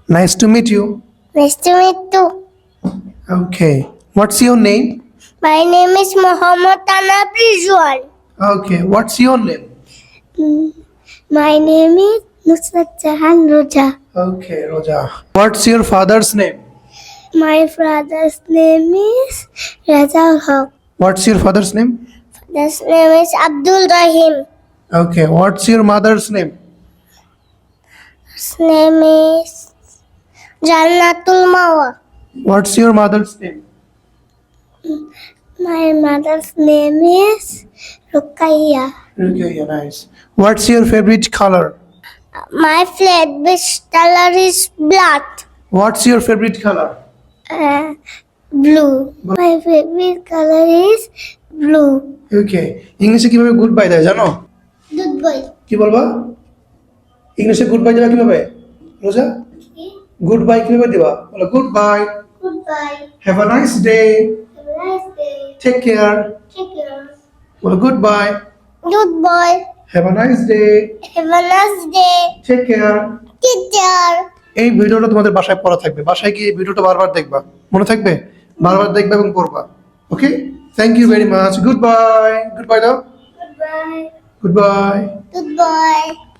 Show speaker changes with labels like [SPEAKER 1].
[SPEAKER 1] Nice to meet you.
[SPEAKER 2] Nice to meet you.
[SPEAKER 1] Okay. What's your name?
[SPEAKER 2] My name is Muhammad Tanab Rizwan.
[SPEAKER 1] Okay. What's your name?
[SPEAKER 2] My name is Nusrat Jahan Roja.
[SPEAKER 1] Okay, Roja. What's your father's name?
[SPEAKER 2] My father's name is Raja Haq.
[SPEAKER 1] What's your father's name?
[SPEAKER 2] Father's name is Abdul Rahim.
[SPEAKER 1] Okay. What's your mother's name?
[SPEAKER 2] His name is Jannatul Mawa.
[SPEAKER 1] What's your mother's name?
[SPEAKER 2] My mother's name is Rukaiya.
[SPEAKER 1] Okay, yeah, nice. What's your favorite color?
[SPEAKER 2] My favorite color is black.
[SPEAKER 1] What's your favorite color?
[SPEAKER 2] Blue. My favorite color is blue.
[SPEAKER 1] Okay. ইংলিশে কিভাবে good bye দেয় জানো?
[SPEAKER 2] Good boy.
[SPEAKER 1] কি বলবা? ইংলিশে good bye দেবা কিভাবে? রোজা? গুড বাই কিভাবে দিবা? বলো good bye.
[SPEAKER 2] Goodbye.
[SPEAKER 1] Have a nice day.
[SPEAKER 2] Have a nice day.
[SPEAKER 1] Take care.
[SPEAKER 2] Take care.
[SPEAKER 1] বলো good bye.
[SPEAKER 2] Goodbye.
[SPEAKER 1] Have a nice day.
[SPEAKER 2] Have a nice day.
[SPEAKER 1] Take care.
[SPEAKER 2] Take care.
[SPEAKER 1] এই ভিডিওটা তোমাদের বাসায় পড়া থাকবে। বাসায় গিয়ে এই ভিডিওটা বারবার দেখবা। মনে থাকবে? বারবার দেখবা এবং পড়বা। Okay? Thank you very much. Good bye. Good bye দাও।
[SPEAKER 2] Goodbye.
[SPEAKER 1] Good bye.
[SPEAKER 2] Goodbye.